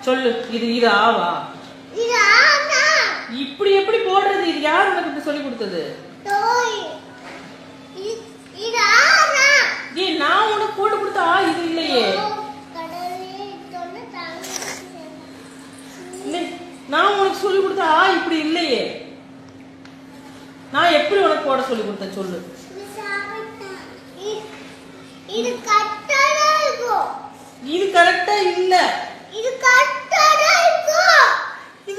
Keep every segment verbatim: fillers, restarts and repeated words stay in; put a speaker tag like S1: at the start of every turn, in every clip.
S1: சொல்லு. இது இது ஆவா?
S2: இது ஆனா.
S1: இப்படி எப்படி போடுறது? இது யார் உனக்கு சொல்லி கொடுத்தது?
S2: தோய். இது ஆனா.
S1: ஏய், நான் உனக்கு போட்டு கொடுத்த ஆ இது இல்லையே.
S2: கடலே தொன்ன தாங்க.
S1: இல்லை, நான் உனக்கு சொல்லி கொடுத்த ஆ இப்படி இல்லையே. நான் எப்படி உனக்கு போட சொல்லி கொடுத்தேன் சொல்லு.
S2: இது கரெக்ட்டா இருக்கு.
S1: இது கரெக்ட்டா இல்ல.
S2: இது கரெக்ட்டா இருக்கு.
S1: இது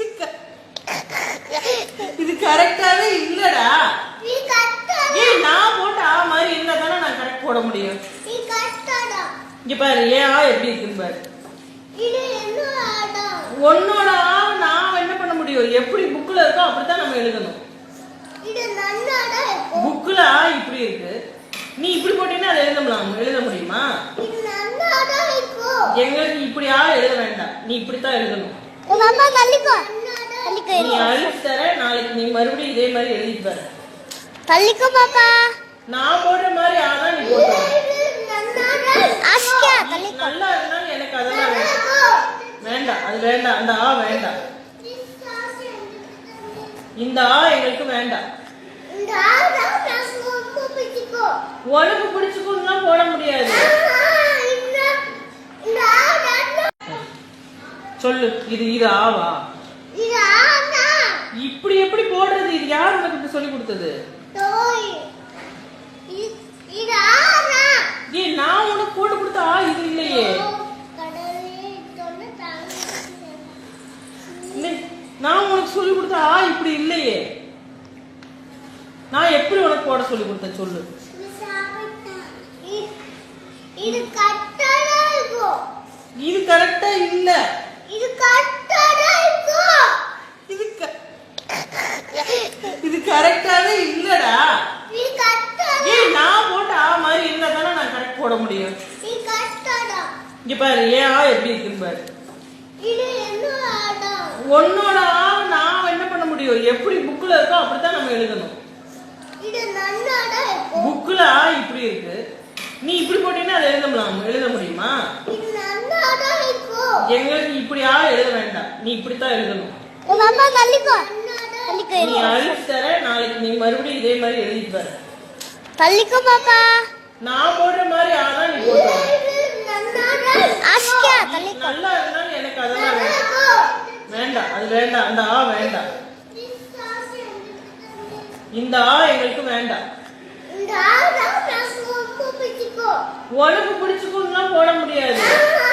S1: இது கரெக்ட்டாவே இல்லடா.
S2: இது கரெக்ட்டா.
S1: ஏய், நான் போட்ட ஆ மாதிரி இருந்தா தானே நான் கரெக்ட் போட முடியும்.
S2: இது கரெக்ட்டா.
S1: இங்க பாரு, ஏன் ஆ எப்படி இருக்குன்னு பாரு.
S2: இது என்னோட ஆடா.
S1: உன்னோட ஆ நான் என்ன பண்ண முடியும்? எப்படி புக்ல இருக்கோ அப்படித்தான் நம்ம எழுதணும்.
S2: இது நன்னாடா இருக்கு.
S1: புக்ல ஆ இப்படி இருக்கு. நீ இப்படி போட்டீங்கன்னா அதை எழுதலாம். எழுத முடியுமா?
S2: இது நன்னாடா இருக்கு.
S1: எங்களுக்கு இப்படி ஆ எழுத வேண்டாம். நீ இப்படித்தான் எழுதணும்.
S2: அம்மா தள்ளிக்கோ. தள்ளிக்கோ.
S1: நீ அழிச்சு தர, நாளைக்கு நீ மறுபடியும் இதே மாதிரி எழுதிட்டு பாரு.
S2: தள்ளிக்கோ பாப்பா.
S1: நான் போடுற மாதிரி ஆனா நீ போடு.
S2: ஆஸ்கா தள்ளிக்கோ.
S1: நல்லா இருந்தாலும் எனக்கு அதெல்லாம் வேண்டாம். வேண்டாம், அது வேண்டாம். அந்த ஆ வேண்டாம். இந்த ஆ எங்களுக்கு வேண்டாம்.
S2: இந்த ஆடா நான் ரொம்ப பிடிச்சுக்கோ.
S1: உனக்கு பிடிச்சுக்கோன்னா போட முடியாது.
S2: இந்த இந்த ஆடா
S1: சொல்லு. இது இது ஆவா?
S2: இது ஆனா.
S1: இப்படி எப்படி போடுறது? இது யார் உனக்கு சொல்லி கொடுத்தது?
S2: தோய். இது ஆனா.
S1: ஏய், நான் உனக்கு போட்டு கொடுத்த ஆ இது இல்லையே.
S2: கடலே தொன்ன தாங்க.
S1: இல்லை, நான் உனக்கு சொல்லி கொடுத்த ஆ இப்படி இல்லையே. நான் எப்படி உனக்கு போட சொல்லி கொடுத்தேன் சொல்லு.
S2: இது கரெக்ட்டா இருக்கு.
S1: இது கரெக்ட்டா இல்ல.
S2: இது கரெக்ட்டா இருக்கு.
S1: இது இது கரெக்ட்டாவே இல்லடா.
S2: இது கரெக்ட்டா.
S1: ஏய், நான் போட்ட ஆ மாதிரி இருந்தா தானே நான் கரெக்ட் போட முடியும்.
S2: இது கரெக்ட்டா.
S1: இங்க பாரு, ஏன் ஆ எப்படி இருக்குன்னு பாரு.
S2: இது என்னோட ஆடா.
S1: உன்னோட ஆ நான் என்ன பண்ண முடியும்? எப்படி புக்ல இருக்கோ அப்படித்தான் நம்ம எழுதணும்.
S2: இது நன்னாடா இருக்கு.
S1: புக்ல ஆ இப்படி இருக்கு. நீ இப்படி போட்டீங்கன்னா அதை எழுதலாம். எழுத முடியுமா?
S2: இது நன்னாடா இருக்கு.
S1: எங்களுக்கு இப்படி ஆ எழுத வேண்டாம். நீ இப்படித்தான் எழுதணும்.
S2: அம்மா தள்ளிக்கோ. தள்ளிக்கோ.
S1: நீ அழிச்சு தர, நாளைக்கு நீ மறுபடியும் இதே மாதிரி எழுதிட்டு பாரு.
S2: தள்ளிக்கோ பாப்பா.
S1: நான் போடுற மாதிரி ஆனா நீ போடு.
S2: ஆஸ்கா தள்ளிக்கோ.
S1: நல்லா இருந்தாலும் எனக்கு அதெல்லாம் வேண்டாம். வேண்டாம், அது வேண்டாம். அந்த ஆ வேண்டாம். இந்த ஆ எங்களுக்கு வேண்டாம்.
S2: இந்த ஆடா நான் ரொம்ப பிடிச்சுக்கோ.
S1: உனக்கு பிடிச்சுக்கோன்னா போட முடியாது.